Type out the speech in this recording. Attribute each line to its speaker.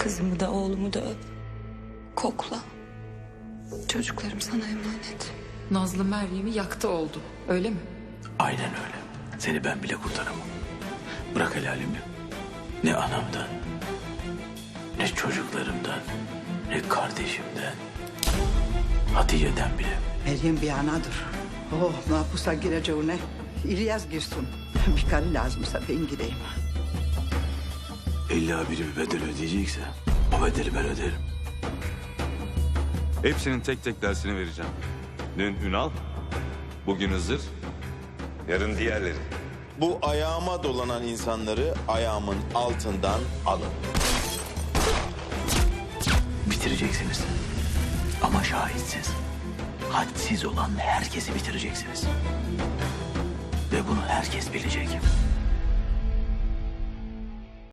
Speaker 1: Kızımı da oğlumu da öp. Kokla. Çocuklarım sana emanet.
Speaker 2: Nazlı Meryem'i yaktı oldu. Öyle mi?
Speaker 3: Aynen öyle. Seni ben bile kurtaramam. Bırak helalimi. Ne anamdan, ne çocuklarımdan, ne kardeşimden, Hatice'den bile.
Speaker 4: Meryem bir anadır. Oh, mahpusa gireceğine İlyas girsin. Bir karı lazımsa ben gireyim.
Speaker 3: İlla biri bir bedel ödeyecekse o bedeli ben öderim.
Speaker 5: Hepsinin tek tek dersini vereceğim. Dün Ünal, bugün Hızır, yarın diğerleri.
Speaker 6: Bu ayağıma dolanan insanları ayağımın altından alın.
Speaker 3: Bitireceksiniz. Ama şahitsiz. Hadsiz olan herkesi bitireceksiniz. Ve bunu herkes bilecek.